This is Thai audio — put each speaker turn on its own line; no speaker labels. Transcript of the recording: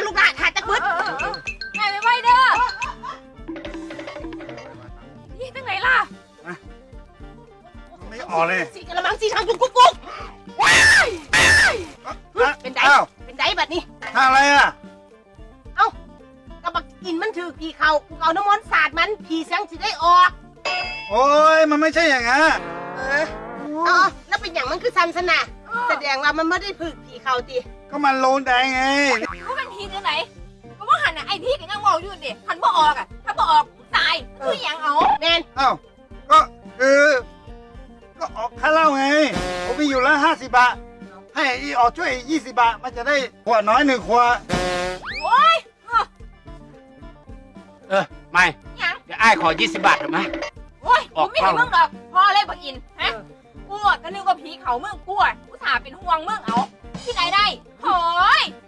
ลูกหลานหาตะบึด
ไงไว้เด้อนี่ตั้งไหนล่ะ
ไม่ออกเลย
สีกระมังสีทางจุกกุ๊กกุ๊กว้ายเป็นไดเป็นไดแบบนี้
ท่าอะไรอ่ะ
กระบักกินมันถือผีเขากูเอาน้ำมันสาดมันผีเสียงสิได้ออก
โอ้ยมันไม่ใช่อย่างนั้น
แล้วเป็นอย่างมันคือซันสนะแสดงว่ามันไม่ได้ฝึกผีเขาตี
ก็มันโลนแดงไง
เขาเป็นผีที่ไหนก็ว่าหันไอ้ที่กันยังบอกอยู่ดิหันบ่ออกอ่ะถ้าบ่ออกตายคืออย่างเอา
แมน
ก็ก็ออกค่าเหล้าไงผมมีอยู่แล้ว50 บาทให้อีออกช่วย20 บาทมันจะได้ขวดน้อย1 ขวด
โอ้ย
ไม่เดี๋ยวอ้ายขอ20 บาทหรือไหม
โอ้ยกูไม่ให้มึงหรอกพ่อเลยบักอินฮะกูก็นึกว่าผีเขามึงกูอุตส่าห์เป็นห่วงมึงเอาที่ไหนได้โอย